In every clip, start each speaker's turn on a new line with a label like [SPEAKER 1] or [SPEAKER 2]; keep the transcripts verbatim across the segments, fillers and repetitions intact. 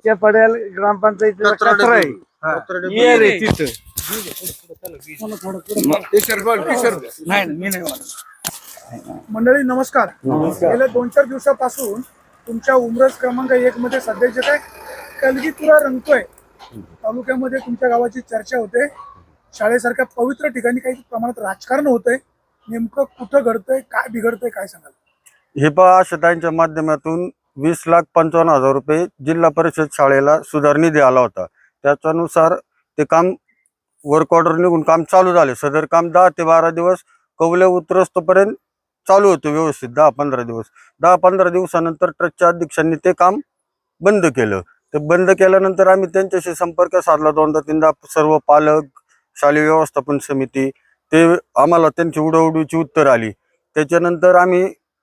[SPEAKER 1] त्या पड्याल ग्रामपंचायतीचा कचरा आहे ये रे तिथं नाही मी नाही म्हणत.
[SPEAKER 2] मंडळी नमस्कार. गेल्या दोन चार दिवसापासून तुमच्या उमरज क्रमांक एक मध्ये सध्या जे काय कलगीतुरा रंगतोय तालुक्यामध्ये तुमच्या गावाची चर्चा होते. शाळेसारख्या पवित्र ठिकाणी काही प्रमाणात राजकारण होतंय. नेमकं कुठं घडतंय, काय बिघडतंय, काय सांगाल?
[SPEAKER 3] हे पहा, आशाताईंच्या माध्यमातून वीस लाख पंचावन्न हजार रुपये जिल्हा परिषद शाळेला सुधारनिधी आला होता. त्याच्यानुसार ते काम वर्क ऑर्डर निघून काम चालू झाले. सदर काम दहा ते बारा दिवस कौले उतरस्तोपर्यंत चालू होतं व्यवस्थित. दहा पंधरा दिवस दहा पंधरा दिवसानंतर ट्रस्टच्या अध्यक्षांनी ते काम बंद केलं. ते बंद केल्यानंतर आम्ही त्यांच्याशी संपर्क साधला दोनदा तीनदा. सर्व पालक, शालेय व्यवस्थापन समिती, ते आम्हाला त्यांची उडवडीची उत्तर आली. त्याच्यानंतर आम्ही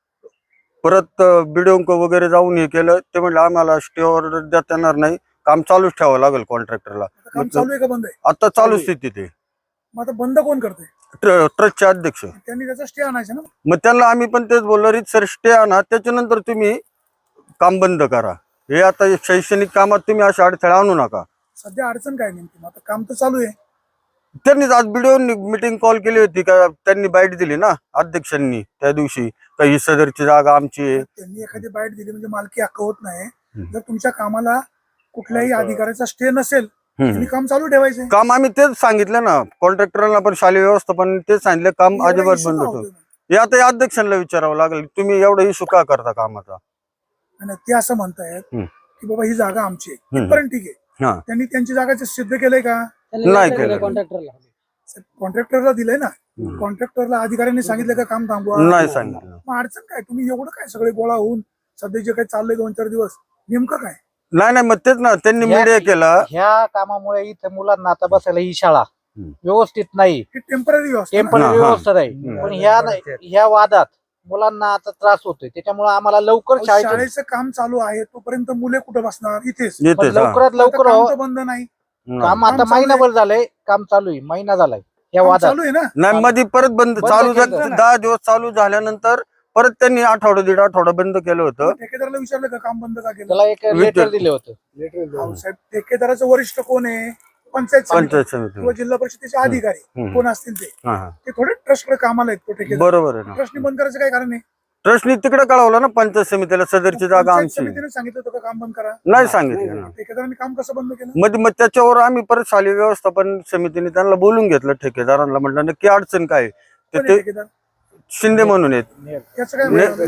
[SPEAKER 3] परत बिडिओंक वगैरे जाऊन हे केलं. ते म्हणलं आम्हाला स्टे ऑर्डर देता येणार नाही, काम चालूच ठेवावं लागेल कॉन्ट्रॅक्टरला.
[SPEAKER 2] काम चालू आहे का बंद आहे?
[SPEAKER 3] आता चालू स्थिती ते
[SPEAKER 2] मग आता बंद कोण करते?
[SPEAKER 3] ट्रस्टचे अध्यक्ष.
[SPEAKER 2] त्यांनी त्याचा स्टे आणायचा ना.
[SPEAKER 3] मग त्यांना आम्ही पण तेच बोललो, रीत सर स्टे आणा, त्याच्यानंतर तुम्ही काम बंद करा. हे आता शैक्षणिक कामात तुम्ही असे अडथळे आणू नका.
[SPEAKER 2] सध्या अडचण काय नेमकी? आता काम तर चालू आहे.
[SPEAKER 3] त्यांनी आज व्हिडिओ मीटिंग कॉल केली होती का, त्यांनी बाईट दिली ना अध्यक्षांनी त्या दिवशी का ही सदरची जागा आमची आहे.
[SPEAKER 2] त्यांनी एखादी बाईट दिली म्हणजे मालकी हक्क होत नाही. जर तुमच्या कामाला कुठल्याही अधिकाऱ्याचा स्टे नसेल तुम्ही काम चालू ठेवायचे.
[SPEAKER 3] काम आम्ही तेच सांगितलं ना कॉन्ट्रॅक्टरला पण, शालेय व्यवस्थापन तेच सांगितलं काम अजिबात बंद होतं. हे आता या अध्यक्षांना विचारावं लागेल, तुम्ही एवढा इशू का करता कामाचा. आणि
[SPEAKER 2] ते असं म्हणतायत की बाबा ही जागा आमची आहे, इथपर्यंत ठीक आहे. त्यांनी त्यांची जागा सिद्ध केलंय का?
[SPEAKER 3] नाही केलं.
[SPEAKER 2] कॉन्ट्रॅक्टरला दिलंय ना. कॉन्ट्रॅक्टरला अधिकाऱ्यांनी सांगितलं का काम थांबवा?
[SPEAKER 3] नाही सांगितलं.
[SPEAKER 2] मग अडचण काय? तुम्ही एवढं काय सगळे गोळा होऊन सध्या जे काही चाललंय दोन चार दिवस नेमकं काय?
[SPEAKER 3] नाही नाही मग तेच ना, त्यांनी मीडिया केला.
[SPEAKER 4] ह्या कामामुळे इथे मुलांना आता बसायला ही शाळा व्यवस्थित नाही,
[SPEAKER 2] टेम्पररी
[SPEAKER 4] टेम्पररी व्यवस्था नाही. पण ह्या ह्या वादात मुलांना आता त्रास होतोय. त्याच्यामुळे आम्हाला लवकर
[SPEAKER 2] शाळेचं काम चालू आहे तोपर्यंत मुले कुठं बसणार? इथेच.
[SPEAKER 4] लवकरात लवकर
[SPEAKER 2] काम बंद नाही.
[SPEAKER 4] काम आता महिनाभर झालंय, काम चालू आहे, महिना झालाय या वादात.
[SPEAKER 2] चालू आहे ना.
[SPEAKER 3] नाही मध्ये परत बंद चालू झालं. दहा दिवस चालू झाल्यानंतर परत त्यांनी आठवडा दीड आठवडा बंद केलं होतं.
[SPEAKER 2] ठेकेदाराला विचारलं का काम बंद का केलं?
[SPEAKER 4] त्याला एक लेटर दिलं होतं.
[SPEAKER 2] साहेब, ठेकेदाराचं वरिष्ठ कोण आहे? पंचायत
[SPEAKER 3] पंचायत समिती
[SPEAKER 2] किंवा जिल्हा परिषदेचे अधिकारी कोण असतील ते ते थोडे ट्रस्टकडे कामाला आहेत. तो ठेकेदार
[SPEAKER 3] बरोबर आहे ना.
[SPEAKER 2] ट्रस्टनी बंद करायचं काय कारण आहे?
[SPEAKER 3] ट्रस्टनी तिकडे कळवलं ना पंचायत समितीला, सदरची जागा आमची.
[SPEAKER 2] समितीने सांगितलं होतं का काम बंद करा?
[SPEAKER 3] नाही सांगितलं ना.
[SPEAKER 2] ठेकेदारांनी काम कसं बंद केलं?
[SPEAKER 3] मग मग त्याच्यावर आम्ही परत शालेय व्यवस्थापन समितीने त्यांना बोलून घेतलं. ठेकेदारांना म्हटलं नक्की अडचण काय ते.
[SPEAKER 2] ठेकेदार
[SPEAKER 3] शिंदे म्हणून आहेत,
[SPEAKER 2] याचं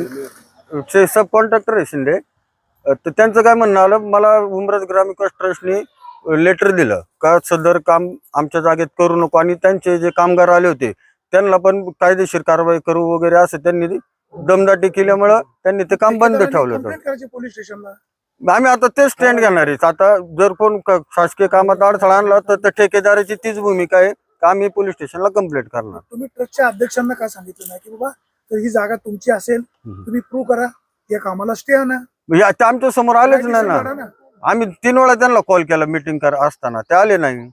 [SPEAKER 2] काय?
[SPEAKER 3] सब कॉन्ट्रॅक्टर आहे शिंदे. तर त्यांचं काय म्हणणं आलं, मला उमरज ग्रामविकास ट्रस्टने लेटर दिलं का सदर काम आमच्या जागेत करू नको, आणि त्यांचे जे कामगार आले होते त्यांना पण कायदेशीर कारवाई करू वगैरे असं त्यांनी दमदाटी केल्यामुळं त्यांनी ते काम बंद ठेवलं होतं.
[SPEAKER 2] पोलीस स्टेशनला
[SPEAKER 3] आम्ही आता तेच स्टँड घेणार आहे. आता जर कोण शासकीय कामात अडथळा आणला तर त्या ठेकेदाराची तीच भूमिका आहे का आम्ही पोलीस स्टेशनला कंप्लेंट करणार.
[SPEAKER 2] तुम्ही ट्रस्टच्या अध्यक्षांना का सांगितलं नाही की बाबा तर ही जागा तुमची असेल, तुम्ही प्रूव्ह करा, या कामाला स्टे आणा?
[SPEAKER 3] ते आमच्या समोर आलेच नाही ना. आम्ही तीन वेळा त्यांना कॉल केला मीटिंग कर असताना, ते आले नाही.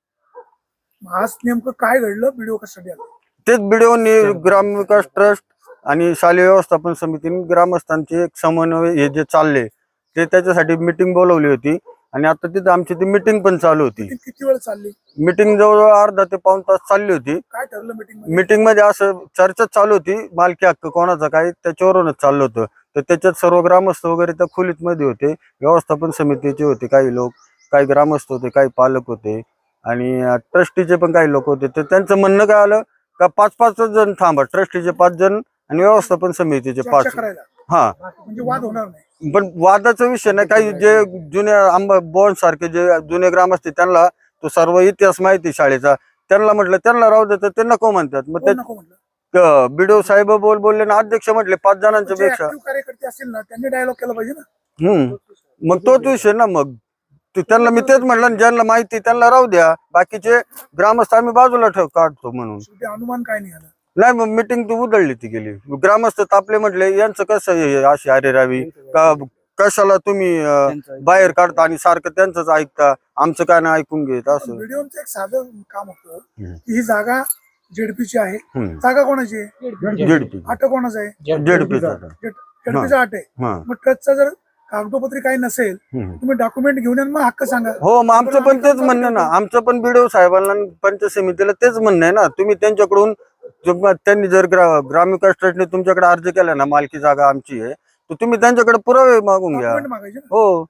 [SPEAKER 2] आज नेमकं काय घडलं? व्हिडिओ कशासाठी आला?
[SPEAKER 3] तेच व्हिडिओनी ग्रामविकास ट्रस्ट आणि शालेय व्यवस्थापन समितीने ग्रामस्थांचे एक समन्वय हे जे चालले ते त्याच्यासाठी मीटिंग बोलवली होती. आणि आता तिथे आमची ती मीटिंग पण चालू होती.
[SPEAKER 2] किती वेळ चालली
[SPEAKER 3] मीटिंग? जवळजवळ अर्धा ते पाऊण तास चालली होती.
[SPEAKER 2] काय ठरलं मीटिंग?
[SPEAKER 3] मीटिंग मध्ये असं चर्चा चालू होती, मालकी हक्क कोणाचा काय त्याच्यावरूनच चाललं होतं. तर त्याच्यात सर्व ग्रामस्थ वगैरे त्या खोलीत मध्ये होते, व्यवस्थापन समितीचे होते काही लोक, काही ग्रामस्थ होते, काही पालक होते, आणि ट्रस्टीचे पण काही लोक होते. तर त्यांचं म्हणणं काय आलं का पाच पाच जण थांबा, ट्रस्टीचे पाच जण आणि व्यवस्थापन समितीचे पाच. हा,
[SPEAKER 2] म्हणजे वाद होणार नाही.
[SPEAKER 3] पण वादाचा विषय नाही. काही जे जुन्या आंबा बॉन्ड सारखे जे जुने ग्राम असते त्यांना तो सर्व इतिहास माहिती शाळेचा, त्यांना म्हटलं त्यांना राहू देतात, ते नको म्हणतात. मग ते बिडो साहेब बोल बोलले ना, अध्यक्ष म्हटले पाच जणांच्या पेक्षा
[SPEAKER 2] कार्यकर्ते असतील ना त्यांनी डायलॉग केला पाहिजे ना.
[SPEAKER 3] हम्म मग तोच विषय ना. मग त्यांना मी तेच म्हटलं, ज्यांना माहिती त्यांना राहू द्या, बाकीचे ग्रामस्थ आम्ही बाजूला ठेव काढतो म्हणून.
[SPEAKER 2] अनुमान काय नाही आलं?
[SPEAKER 3] नाही, मग मीटिंग तू उधळली ती गेली. ग्रामस्थ तापले, म्हटले यांचं कसं अशी अरे रावी का, कशाला तुम्ही बाहेर काढता आणि सारखं त्यांचंच ऐकता, आमचं काय नाही ऐकून घेत. असं
[SPEAKER 2] व्हिडिओचं एक साधं काम होतं की ही जागा जेडपीची आहे. जागा कोणाची आहे?
[SPEAKER 3] जेडपी.
[SPEAKER 2] आठ कोणाचा आहे?
[SPEAKER 3] जेडपीचा
[SPEAKER 2] जेडपीचा आठ आहे. मग ट्रस्टचा जर कागदोपत्री काही नसेल
[SPEAKER 3] हम्म.
[SPEAKER 2] तुम्ही डॉक्युमेंट घेऊन या आणि मग हक्क सांगा.
[SPEAKER 3] हो, मग आमचं पण तेच म्हणणं ना, आमचं पण बीडीओ साहेबांना आणि पंचायत समितीला तेच म्हणणं आहे ना, तुम्ही त्यांच्याकडून जो- त्यांनी जर ग्रा ग्रामविकास ट्रस्टने तुमच्याकडे अर्ज केला ना, मालकी जागा आमची आहे, तर तुम्ही त्यांच्याकडे पुरावे मागून घ्या.
[SPEAKER 2] डॉक्युमेंट मागायचे ना.
[SPEAKER 3] हो,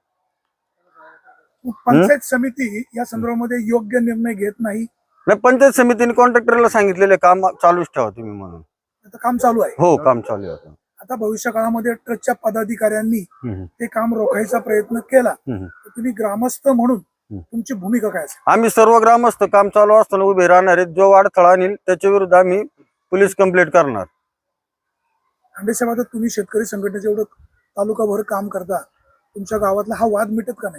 [SPEAKER 2] मग पंचायत समिती या संदर्भामध्ये योग्य निर्णय घेत नाही.
[SPEAKER 3] नाही, पंचायत समितीने कॉन्ट्रॅक्टरला सांगितलेले काम चालूच ठेवा तुम्ही म्हणून.
[SPEAKER 2] आता काम चालू आहे.
[SPEAKER 3] हो, काम चालू आहे आता.
[SPEAKER 2] आता भविष्य काळामध्ये ट्रस्टच्या पदाधिकाऱ्यांनी
[SPEAKER 3] हम्म,
[SPEAKER 2] ते काम रोखायचा प्रयत्न केला
[SPEAKER 3] हम्म.
[SPEAKER 2] तर तुम्ही ग्रामस्थ म्हणून तुमची भूमिका काय असेल?
[SPEAKER 3] आम्ही सर्व ग्रामस्थ काम चालू असताना उभे राहणार आहेत. जो अडथळा आणील त्याच्या विरुद्ध आम्ही पोलीस कंप्लेंट करणार.
[SPEAKER 2] आंबे साहेब, आता तुम्ही शेतकरी संघटनेचं एवढं तालुकाभर काम करता, तुमच्या गावातला हा वाद मिटत का नाही?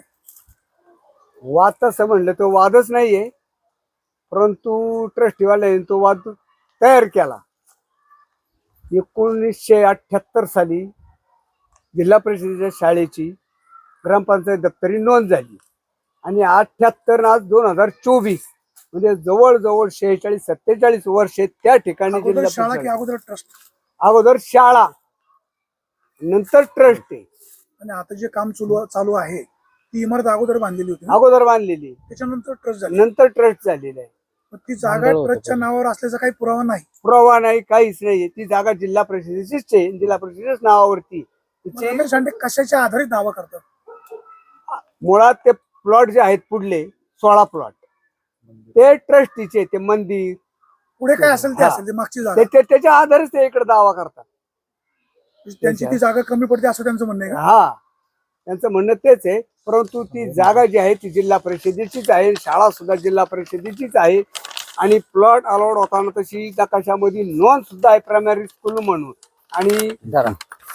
[SPEAKER 1] वाद तसं म्हणलं तो वादच नाहीये, परंतु ट्रस्टीवाल्याने तो वाद तयार केला. एकोणीसशे अठ्ठ्याहत्तर साली जिल्हा परिषदेच्या शाळेची ग्रामपंचायत दप्तरी नोंद झाली आणि अठ्ठ्याहत्तर आज दोन हजार चोवीस म्हणजे जवळजवळ शेहेचाळीस सत्तेचाळीस वर्षे त्या ठिकाणी
[SPEAKER 2] अगोदर
[SPEAKER 1] जिल्हा
[SPEAKER 2] शाळा की
[SPEAKER 1] परिषद-
[SPEAKER 2] अगोदर ट्रस्ट?
[SPEAKER 1] अगोदर शाळा नंतर ट्रस्ट आहे.
[SPEAKER 2] आणि आता जे काम चालू चालू आहे ती इमारत अगोदर बांधलेली होती ना?
[SPEAKER 1] अगोदर बांधलेली,
[SPEAKER 2] त्याच्यानंतर ट्रस्ट झाली.
[SPEAKER 1] नंतर ट्रस्ट झालेला आहे.
[SPEAKER 2] मग ती जागा
[SPEAKER 4] मंडळ होतं
[SPEAKER 2] ट्रस्टच्या नावावर असल्याचा काही पुरावा नाही.
[SPEAKER 1] पुरावा नाही, काहीच नाही. ती जागा जिल्हा परिषदेचीच आहे, जिल्हा परिषदेच्याच नावावरती
[SPEAKER 2] मग
[SPEAKER 1] तिची.
[SPEAKER 2] रमेश शांडे कशाच्या आधारित दावा करतात?
[SPEAKER 1] मुळात ते प्लॉट जे आहेत पुढले सोळा प्लॉट ते ट्रस्टीचे, ते मंदिर
[SPEAKER 2] पुढे काय असेल ते
[SPEAKER 1] हा.
[SPEAKER 2] असेल, ते मागची जागा
[SPEAKER 1] ते- ते- त्याच्या आधारेच ते इकडे दावा करतात.
[SPEAKER 2] त्यांची ती जागा कमी पडते असं त्यांचं म्हणणं आहे का?
[SPEAKER 1] हा, त्यांचं म्हणणं तेच आहे. परंतु ती जागा जी आहे ती जिल्हा परिषदेचीच आहे, शाळा सुद्धा जिल्हा परिषदेचीच आहे आणि प्लॉट अलॉट होताना तशी नकाशामध्ये नोंद सुद्धा आहे प्रायमरी स्कूल म्हणून. आणि
[SPEAKER 4] जरा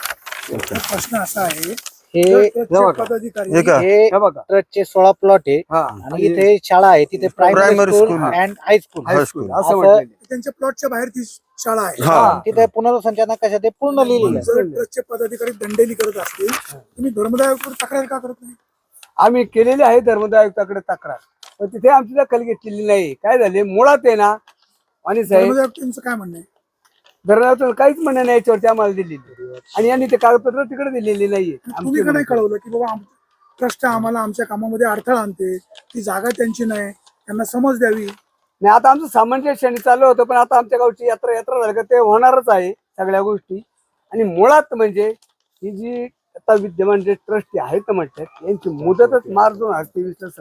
[SPEAKER 2] तर प्रश्न असा आहे,
[SPEAKER 4] हे
[SPEAKER 2] जर ट्रस्टचे
[SPEAKER 1] बघा.
[SPEAKER 2] पदाधिकारी
[SPEAKER 3] हे का?
[SPEAKER 4] हे
[SPEAKER 1] हे बघा,
[SPEAKER 4] ट्रस्टचे सोळा प्लॉट आहे
[SPEAKER 1] हा,
[SPEAKER 4] आणि इथे शाळा आहे, तिथे primary
[SPEAKER 3] primary
[SPEAKER 4] school
[SPEAKER 3] school.
[SPEAKER 4] And high school
[SPEAKER 1] high school
[SPEAKER 3] high school.
[SPEAKER 1] असं
[SPEAKER 4] असं-
[SPEAKER 1] म्हटलेलं आहे.
[SPEAKER 2] त्यांच्या प्लॉटच्या बाहेर ती शाळा आहे.
[SPEAKER 3] हा.
[SPEAKER 4] तिथे पुनर्संचना कशा ते पूर्ण लिहिलेलं आहे.
[SPEAKER 2] जर ट्रस्टचे पदाधिकारी दंडेली करत असतील तुम्ही धर्मदाय आयोगाकडे तक्रार का करत नाही?
[SPEAKER 1] आम्ही केलेली आहे धर्मदाय आयुक्ताकडे तक्रार, पण तिथे आमची दखल घेतलेली नाही. काय झाले मुळात आहे ना, आणि साहेब
[SPEAKER 2] धर्मदाय आयुक्तांचं काय म्हणणं आहे?
[SPEAKER 1] धर्मदाय काहीच म्हणणं नाही याच्यावरती आम्हाला दिलेली, आणि यांनी ते कागदपत्र तिकडे दिलेली नाहीये.
[SPEAKER 2] तुम्ही का नाही कळवलं की बाबा ट्रस्ट आम्हाला आमच्या कामामध्ये अडथळा आणते, ती जागा त्यांची नाही, त्यांना समज द्यावी?
[SPEAKER 1] नाही, आता आमचं सामंजस्याने चालू होतं, पण आता आमच्या गावची यात्रा यात्रा झाली का ते होणारच आहे सगळ्या गोष्टी. आणि मुळात म्हणजे ही जी आता विद्यमान जे ट्रस्टी आहेत म्हणतात यांची मुदतच मार्च दोन हजार तेवीस ला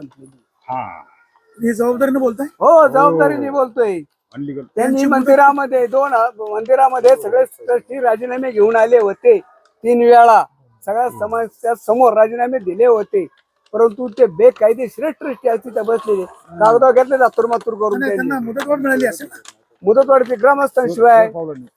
[SPEAKER 1] संपलेली.
[SPEAKER 2] हे जबाबदारीने बोलताय?
[SPEAKER 1] हो, जबाबदारीने बोलतोय. त्यांनी मंदिरामध्ये दोन मंदिरामध्ये सगळे ट्रस्टी राजीनामे घेऊन आले होते. तीन वेळा सगळ्या समाजाच्या समोर राजीनामे दिले होते, परंतु ते बेकायदेशीर ट्रस्टी आहेत तिथे बसलेले कागदावर घेतले जातूर मातूर करून
[SPEAKER 2] नाही,
[SPEAKER 1] त्यांनी.
[SPEAKER 2] त्यांना मुदतवाढ मिळाली असेल ना?
[SPEAKER 1] मुदतवाढीचे ग्रामस्थांशिवाय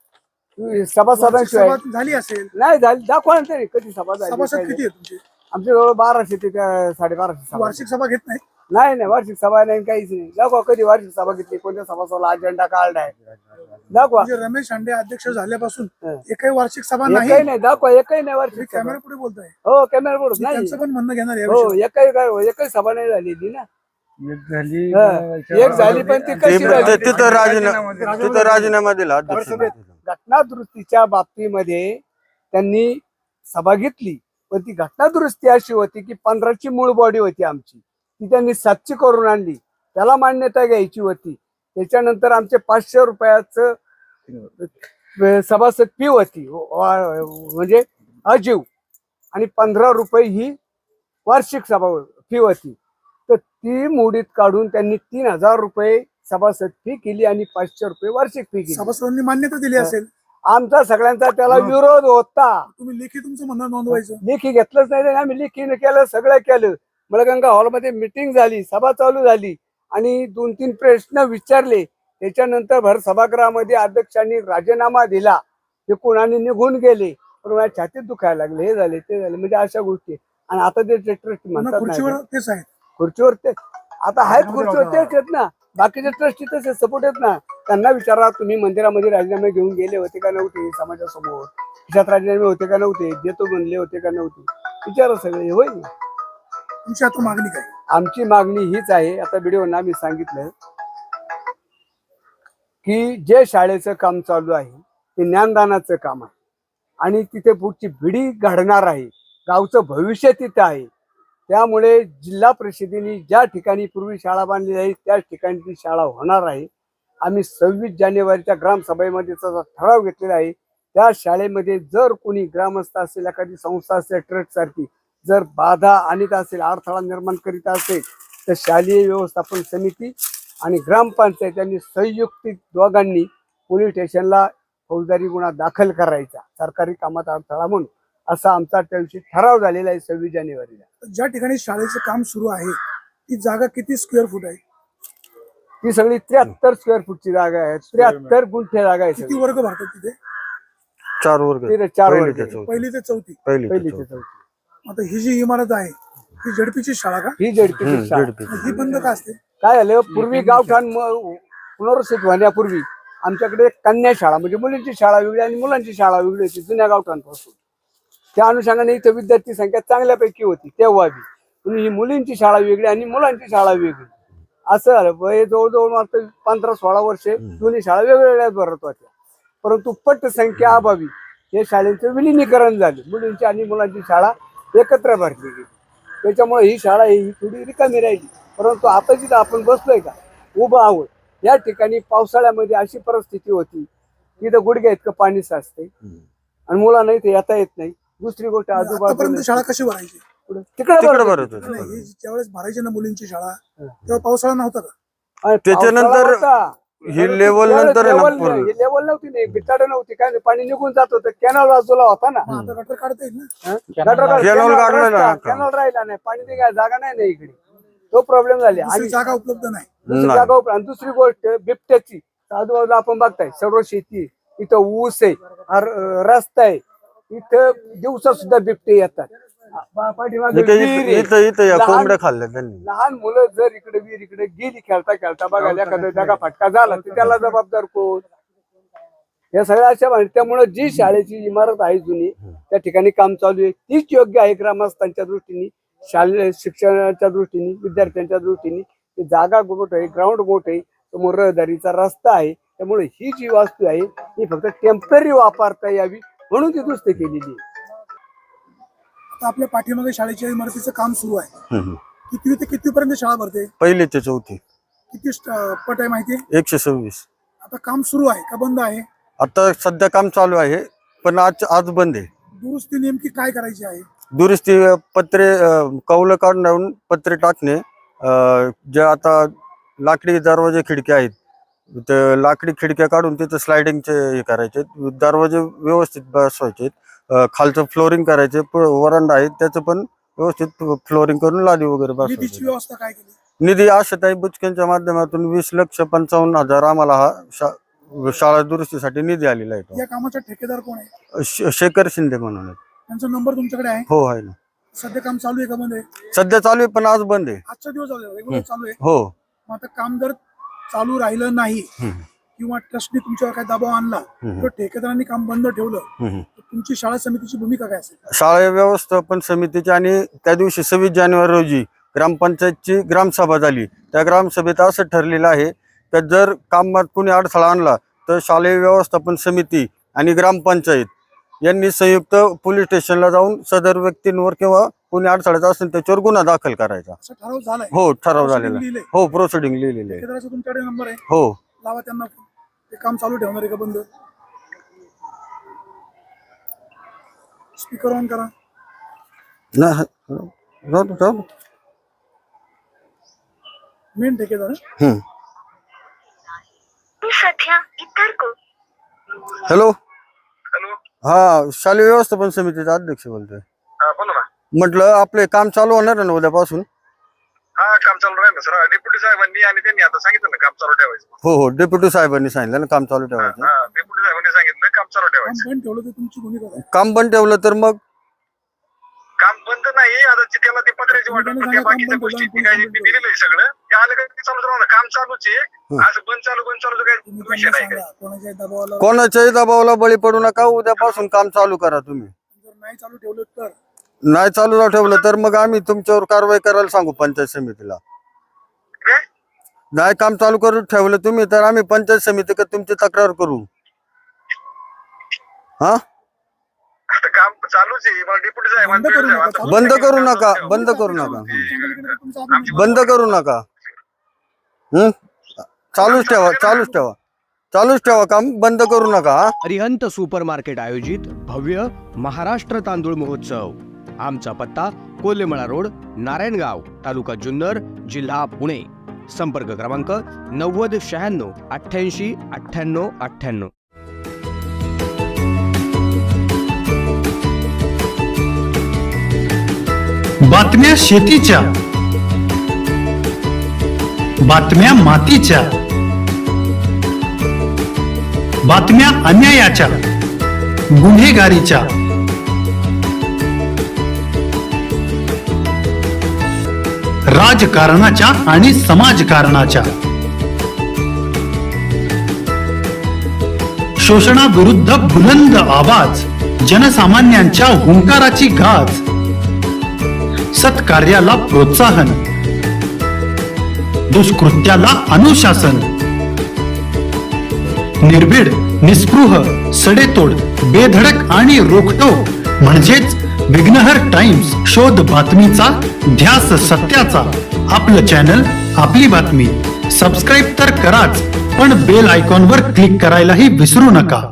[SPEAKER 1] सभासदांशिवाय
[SPEAKER 2] सभा झाली असेल.
[SPEAKER 1] नाही झाली. दाखवा ना तरी कधी सभा झाली.
[SPEAKER 2] सभासद
[SPEAKER 1] काय
[SPEAKER 2] किती
[SPEAKER 1] झाली.
[SPEAKER 2] आहे तुमचे?
[SPEAKER 1] आमच्या जवळ बाराशे ते त्या साडेबाराशे सभा.
[SPEAKER 2] वार्षिक सभा घेत नाही?
[SPEAKER 1] नाही नाही, वार्षिक सभा नाही, काहीच नाही. दाखवा कधी वार्षिक सभा घेतली, कोणत्या सभासदाला अजेंडा काढलाय दाखवा.
[SPEAKER 2] म्हणजे रमेश हांडे अध्यक्ष झाल्यापासून
[SPEAKER 1] हं.
[SPEAKER 2] एकही वार्षिक सभा नाही.
[SPEAKER 1] एकही नाही, दाखवा एकही नाही वार्षिक सभा.
[SPEAKER 2] कॅमेरा पुढे बोलताय?
[SPEAKER 1] हो, कॅमेरा बोलत नाही.
[SPEAKER 2] त्यांचं पण म्हणणं घेणार आहे या
[SPEAKER 1] हो,
[SPEAKER 2] विषयावर.
[SPEAKER 1] एकही काय एकही सभा नाही झालेली ना.
[SPEAKER 5] झाली
[SPEAKER 1] हं. एक झाली, पण ती
[SPEAKER 3] ते-
[SPEAKER 1] कशी झाली?
[SPEAKER 3] ते- तिथं राजीनामा तिथं राजीनामा दिला अध्यक्ष.
[SPEAKER 1] घटना दुरुस्तीच्या बाबतीमध्ये त्यांनी सभा घेतली, पण ती घटना दुरुस्ती अशी होती की पंधराची मूळ बॉडी होती आमची, ती त्यांनी सातची करून आणली, त्याला मान्यता घ्यायची होती. त्याच्यानंतर आमचे पाचशे रुपयाचं सभासद फी होती, म्हणजे अजीव, आणि पंधरा रुपये ही वार्षिक सभा फी होती. तर ती मोडीत काढून त्यांनी तीन हजार रुपये सभासद फी केली आणि पाचशे रुपये वार्षिक फी केली.
[SPEAKER 2] सभासदांनी मान्यता दिली असेल.
[SPEAKER 1] आमचा सगळ्यांचा त्याला विरोध होता.
[SPEAKER 2] तुम्ही लेखी तुमचं म्हणणं नोंदवायचं.
[SPEAKER 1] लेखी घेतलंच नाही, आणि आम्ही लेखीने केलं, सगळं केलं. मळगंगा हॉलमध्ये मिटिंग झाली, सभा चालू झाली आणि दोन तीन प्रश्न विचारले. त्याच्यानंतर भर सभागृहामध्ये अध्यक्षांनी राजीनामा दिला, ते कोणाने निघून गेले. पण माझ्या छातीत दुखायला लागले, हे झाले ते झाले, म्हणजे अशा गोष्टी. आणि आता ते ट्रस्ट म्हणतात
[SPEAKER 2] खुर्चीवर
[SPEAKER 1] नाही,
[SPEAKER 2] तेच आहेत.
[SPEAKER 1] खुर्चीवर ते आता आहेत, खुर्चीवर तेच आहेत ना. बाकीचे ट्रस्टी तसे सपोर्ट आहेत ना. त्यांना विचारा, तुम्ही मंदिरामध्ये राजीनामे घेऊन गेले होते का नव्हते समाजासमोर? खिशात राजीनामे होते का नव्हते? देतो म्हणले होते का नव्हते? विचारा सगळे, होईल.
[SPEAKER 2] तुमची आता मागणी काय?
[SPEAKER 1] आमची मागणी हीच आहे, आता व्हिडिओना आम्ही सांगितलं की जे शाळेचं काम चालू आहे ते ज्ञानदानाचं काम आहे, आणि तिथे पुढची पिढी घडणार आहे. गावचं भविष्य तिथं आहे. त्यामुळे जिल्हा परिषदेने ज्या ठिकाणी पूर्वी शाळा बांधली आहे त्याच ठिकाणी ती शाळा होणार आहे. आम्ही सव्वीस जानेवारीच्या ग्रामसभेमध्ये त्याचा ठराव घेतलेला आहे. त्या शाळेमध्ये जर कोणी ग्रामस्थ असेल, एखादी संस्था असेल, ट्रस्ट सारखी जर बाधा आणत असेल, अडथळा निर्माण करीत असेल, तर शालेय व्यवस्थापन समिती आणि ग्रामपंचायत यांनी संयुक्तिक दोघांनी पोलीस स्टेशनला फौजदारी गुन्हा दाखल करायचा, सरकारी कामात अडथळा म्हणून, असा आमचा त्या दिवशी ठराव झालेला आहे सव्वीस जानेवारीला.
[SPEAKER 2] ज्या ठिकाणी शाळेचं काम सुरू आहे ती जागा किती स्क्वेअर फूट आहे?
[SPEAKER 1] ती सगळी त्र्याहत्तर स्क्वेअर फूटची जागा आहे. त्र्याहत्तर गुंठे जागा आहे.
[SPEAKER 2] किती वर्ग भरतात तिथे?
[SPEAKER 3] चार वर्ग
[SPEAKER 1] तिथे चार
[SPEAKER 3] पहिली
[SPEAKER 1] वर्ग
[SPEAKER 3] ते
[SPEAKER 1] आहे.
[SPEAKER 3] चौथी.
[SPEAKER 2] पहिली ते चौथी.
[SPEAKER 3] पहिली ते
[SPEAKER 1] पहिली ते
[SPEAKER 3] चौथी.
[SPEAKER 1] चौथी.
[SPEAKER 2] आता ही जी इमारत आहे ही झेडपीची शाळा का?
[SPEAKER 1] ही जडपीची
[SPEAKER 3] हम्म,
[SPEAKER 1] शाळा.
[SPEAKER 3] झेडपी.
[SPEAKER 2] ही बंद का असते?
[SPEAKER 1] काय झालं, पूर्वी गावठाण म- पुनर्वसित होण्यापूर्वी आमच्याकडे कन्या शाळा म्हणजे मुलींची शाळा वेगळी आणि मुलांची शाळा वेगळी होती जुन्या गावठाणपासून. त्या अनुषंगाने इथं विद्यार्थी संख्या चांगल्यापैकी होती तेव्हा बी. पण ही मुलींची शाळा वेगळी आणि मुलांची शाळा वेगळी असं झालं. वय जवळजवळ मात्र पंधरा सोळा वर्षे दोन्ही शाळा वेगवेगळ्या भरत होत्या. परंतु पटसंख्या अभावी हे शाळेचं विलिनीकरण झालं. मुलींची आणि मुलांची शाळा एकत्र भरली गेली. त्याच्यामुळे ही शाळा ही थोडी रिकामी राहिली. परंतु आता जिथं आपण बसलोय का उभं आहोत या ठिकाणी पावसाळ्यामध्ये अशी परिस्थिती होती की इथं गुडघ्या इतकं पाणी साचते आणि मुलांना इथे येता येत नाही. दुसरी गोष्ट
[SPEAKER 2] आतापर्यंत
[SPEAKER 1] आजूबाजूला
[SPEAKER 2] शाळा कशी भरायची?
[SPEAKER 1] तिकडे
[SPEAKER 3] तिकडे
[SPEAKER 1] भरत
[SPEAKER 3] भरत
[SPEAKER 1] होती.
[SPEAKER 3] होते.
[SPEAKER 2] नाही, ही ज्यावेळेस भरायची ना मुलींची शाळा तेव्हा पावसाळा नव्हता का?
[SPEAKER 1] आणि
[SPEAKER 3] त्याच्यानंतर
[SPEAKER 1] पावसाळा होता.
[SPEAKER 3] ही लेवल नंतर आहे ना
[SPEAKER 1] लेवल
[SPEAKER 3] पूर्ण.
[SPEAKER 1] ही लेवल नव्हती नाही बिचाड नव्हती काय नाही. पाणी निघून जात होतं. कॅनल बाजूला होता ना.
[SPEAKER 2] मग आता गटर काढता येईल ना?
[SPEAKER 1] हं?
[SPEAKER 4] कॅनल
[SPEAKER 1] गटारात
[SPEAKER 3] कॅनल
[SPEAKER 1] कॅनल
[SPEAKER 3] काढलेला
[SPEAKER 1] रस्ता,
[SPEAKER 3] आहे का?
[SPEAKER 1] कॅनल राहिला नाही. पाणी निघायला जागा नाही ना इकडे. तो प्रॉब्लेम झाला.
[SPEAKER 2] दुसरी
[SPEAKER 1] आणि
[SPEAKER 2] जागा उपलब्ध नाही.
[SPEAKER 1] दुसरी
[SPEAKER 3] नाही.
[SPEAKER 1] जागा उपरा- आणि दुसरी गोष्ट बिबट्याची आजूबाजूला आपण बघताय सर्व शेती आहे. इथं ऊस आहे, अर- रस्ता आहे. इथं दिवसा सुद्धा बिबटे येतात. पा- पाठीमागे
[SPEAKER 3] इथं
[SPEAKER 1] विहीर आहे.
[SPEAKER 3] इथं इथं या
[SPEAKER 1] लहान-
[SPEAKER 3] कोंबड्या खाल्ल्या त्यांनी.
[SPEAKER 1] लहान मुलं जर इकडे विहीर इकडे गेली खेळता खेळता बघायला एखादा जागा फटका झाला तर त्याला जबाबदार कोण? या सगळ्या अशा माहिती. त्यामुळे जी शाळेची इमारत आहे जुनी त्या ठिकाणी काम चालू आहे तीच योग्य आहे ग्रामस्थांच्या दृष्टीने, शालेय शिक्षणाच्या दृष्टीने, विद्यार्थ्यांच्या दृष्टीने. ती जागा मोठ आहे, ग्राउंड मोठ आहे, समोर रहदारीचा रस्ता आहे. त्यामुळे ही जी वास्तू आहे ही फक्त टेम्पररी वापरता यावी म्हणून ती दुरुस्त केलेली आहे.
[SPEAKER 2] आता आपल्या पाठीमागे शाळेच्या इमारतीचं काम सुरू आहे.
[SPEAKER 3] हम्म.
[SPEAKER 2] कितवी ते कितवीपर्यंत शाळा भरते?
[SPEAKER 3] पहिली ते चौथी.
[SPEAKER 2] किती स्ट- पट आहे माहितीये?
[SPEAKER 3] एकशे सव्वीस.
[SPEAKER 2] आता काम सुरू आहे का बंद आहे?
[SPEAKER 3] आता सध्या काम चालू आहे पण आज आज बंद आहे.
[SPEAKER 2] दुरुस्ती नेमकी काय करायची आहे?
[SPEAKER 3] दुरुस्ती पत्रे अं, कौलं काढून पत्रे टाकणे, अं, जे आता लाकडी दरवाजे खिडक्या आहेत तर लाकडी खिडक्या काढून तिथं स्लायडिंगचे हे करायचे, दरवाजे व्यवस्थित बसवायचे, अं, खालचं फ्लोरिंग करायचे, प- वरांडा आहे त्याचं पण व्यवस्थित फ्लोरिंग करून लादी वगैरे
[SPEAKER 2] निधीची
[SPEAKER 3] बसवायची.
[SPEAKER 2] व्यवस्था काय केली?
[SPEAKER 3] निधी आशाताई बुचकेंच्या माध्यमातून वीस लक्ष पंचावन्न हजार आम्हाला हा शा- शाळा दुरुस्तीसाठी निधी आलेला आहे.
[SPEAKER 2] या कामाचा ठेकेदार कोण आहे?
[SPEAKER 3] तो श- शेखर शिंदे म्हणून आहेत.
[SPEAKER 2] त्यांचा नंबर तुमच्याकडे आहे?
[SPEAKER 3] हो आहे ना.
[SPEAKER 2] सध्या काम चालू आहे का बंद आहे?
[SPEAKER 3] सध्या चालू आहे पण आज बंद आहे.
[SPEAKER 2] आजचा दिवस रेग्युलर चालू आहे.
[SPEAKER 3] हो.
[SPEAKER 2] मग आता काम जर चालू राहिलं नाही
[SPEAKER 3] हम्म.
[SPEAKER 2] किंवा ट्रस्टने तुमच्यावर काय दबाव आणला
[SPEAKER 3] हम्म.
[SPEAKER 2] तर ठेकेदारांनी काम बंद ठेवलं
[SPEAKER 3] हम्म.
[SPEAKER 2] तर तुमची शाळा समितीची भूमिका काय असेल?
[SPEAKER 3] शाळा व्यवस्थापन समितीची आणि त्या दिवशी सव्वीस जानेवारी रोजी ग्रामपंचायतची ग्रामसभा झाली. त्या ग्रामसभेत असं ठरलेलं आहे की जर कामात कोणी अडथळा आणला तर शालेय व्यवस्थापन समिती आणि ग्रामपंचायत यांनी संयुक्त पोलीस स्टेशनला जाऊन सदर व्यक्तींवर किंवा कोणी अडथळ्याचा असेल त्याच्यावर गुन्हा दाखल करायचा.
[SPEAKER 2] असा ठराव झालाय?
[SPEAKER 3] हो ठराव झालेला आहे.
[SPEAKER 2] लिहिलंय?
[SPEAKER 3] हो प्रोसिडिंग लिहिलेली आहे.
[SPEAKER 2] ठेकेदाराचा तुमच्याकडे नंबर आहे?
[SPEAKER 3] हो.
[SPEAKER 2] लावा त्यांना phone. ते काम चालू ठेवणार आहे का बंद? स्पीकर ऑन करा.
[SPEAKER 3] नाही, जाऊ दे, जाऊ दे.
[SPEAKER 2] मेन ठेकेदार हं?
[SPEAKER 3] हम्म.
[SPEAKER 5] मी सध्या इतर को
[SPEAKER 3] हॅलो.
[SPEAKER 6] हॅलो.
[SPEAKER 3] हा शालेय व्यवस्थापन समितीचा अध्यक्ष बोलतोय.
[SPEAKER 6] हा बोला ना.
[SPEAKER 3] म्हटलं आपले काम चालू होणार आहे ना उद्यापासून?
[SPEAKER 6] हा काम चालू राहील ना सर. डेप्युटी साहेबांनी आणि त्यांनी आता सांगितलं ना काम चालू ठेवायचं.
[SPEAKER 3] हो हो डेप्युटी साहेबांनी सांगितलं ना काम चालू ठेवायचं.
[SPEAKER 6] हा डेप्युटी साहेबांनी सांगितलं काम चालू
[SPEAKER 2] काम
[SPEAKER 6] ठेवायचं.
[SPEAKER 2] बंद ठेवलं तर तुमची भूमिका काय?
[SPEAKER 3] काम बंद ठेवलं तर मग
[SPEAKER 6] काम बंद नाही. आता जे त्याला ते पत्र्याची वाटप
[SPEAKER 2] त्यांनी
[SPEAKER 6] त्या
[SPEAKER 2] सांगितलं
[SPEAKER 6] बाकीच्या
[SPEAKER 2] काम बंद
[SPEAKER 6] गोष्टी
[SPEAKER 2] ठेवलं,
[SPEAKER 6] ती काय
[SPEAKER 2] काम
[SPEAKER 6] मी
[SPEAKER 2] बंद
[SPEAKER 6] दिलेलं आहे सगळं ते आलं का ते चालूच राहणार. काम चालूच आहे. असं बंद चालू बंद चालू काही
[SPEAKER 2] तुम्ही
[SPEAKER 6] विषय
[SPEAKER 2] त्यांना
[SPEAKER 6] नाही काय.
[SPEAKER 2] सांगा कोणाच्या दबावाला
[SPEAKER 3] कोणाच्याही दबावाला बळी पडू नका. उद्यापासून काम चालू करा तुम्ही.
[SPEAKER 2] जर नाही चालू ठेवलं तर
[SPEAKER 3] नाही चालू ठेवलं तर मग आम्ही तुमच्यावर कारवाई करायला सांगू पंचायत समितीला.
[SPEAKER 6] काय?
[SPEAKER 3] नाही काम चालू करून ठेवलं तुम्ही तर आम्ही पंचायत समितीकडे तुमची तक्रार करू. हा
[SPEAKER 6] आता काम चालूच आहे मला डेप्युटी साहेब
[SPEAKER 2] बंद करू नका, चालू
[SPEAKER 3] बंद करू नका बंद करू नका
[SPEAKER 2] तुमचा
[SPEAKER 3] बंद करू नका. हम्म चालूच ठेवा चालूच ठेवा चालूच ठेवा काम बंद करू नका. हा?
[SPEAKER 5] अरिहंत सुपर मार्केट आयोजित भव्य महाराष्ट्र तांदूळ महोत्सव. आमचा पत्ता कोल्हेमळा रोड, नारायणगाव, तालुका जुन्नर, जिल्हा पुणे. संपर्क क्रमांक नव्वद शहाण्णव अठ्ठ्याऐंशी अठ्ठ्याण्णव अठ्ठ्याण्णव.
[SPEAKER 7] बातम्या शेतीच्या, बातम्या मातीच्या, बातम्या अन्यायाच्या, गुन्हेगारीच्या, राजकारणाच्या आणि समाजकारणाच्या, शोषणाविरुद्ध बुलंद आवाज, जनसामान्यांच्या हुंकाराची गाज, सत्कार्याला प्रोत्साहन, दुष्कृत्याला अनुशासन, निर्भीड, निस्पृह, सडेतोड, बेधडक आणि रोखटोक म्हणजेच विघ्नहर टाइम्स. शोध बातमीचा, ध्यास सत्याचा. आपलं चॅनल, आपली बातमी. सबस्क्राईब तर कराच, पण बेल आयकॉनवर क्लिक करायलाही विसरू नका.